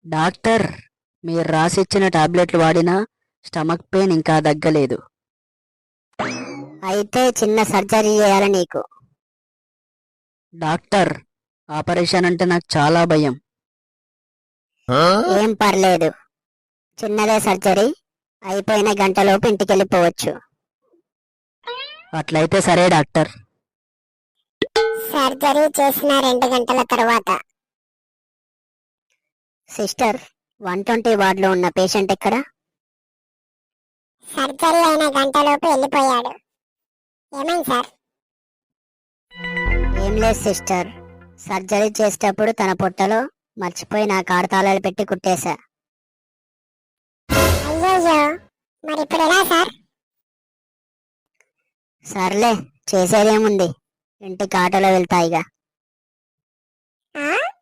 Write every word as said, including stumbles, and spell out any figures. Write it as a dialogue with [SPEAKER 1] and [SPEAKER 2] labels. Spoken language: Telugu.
[SPEAKER 1] డాక్టర్, మీరు రాసిచ్చిన టాబ్లెట్లు వాడినా స్టమక్ పెయిన్ ఇంకా తగ్గలేదు.
[SPEAKER 2] అయితే చిన్న సర్జరీ చేయాలి నీకు.
[SPEAKER 1] డాక్టర్, ఆపరేషన్ అంటే నాకు చాలా భయం.
[SPEAKER 2] ఏం పర్లేదు, చిన్నదే సర్జరీ, అయిపోయిన గంటలోపు ఇంటికెళ్ళిపోవచ్చు.
[SPEAKER 1] అట్లయితే సరే డాక్టర్.
[SPEAKER 2] సర్జరీ చేసిన రెండు గంటల తర్వాత. సిస్టర్, వన్ ట్వంటీ వార్డులో ఉన్న పేషెంట్ ఎక్కడ? సర్జరీ అయిన గంటలోపు వెళ్ళిపోయాడు. ఏమైంది సార్? ఏం లేదు సిస్టర్, సర్జరీ చేసేటప్పుడు తన పొట్టలో మర్చిపోయి నా కారు తాళాలు పెట్టి కుట్టేశా. అయ్యో, మరి ఇప్పుడు ఎలా సార్? సర్లే, చేసేదేముంది, ఇంటికి ఆటోలో వెళ్తాయిగా.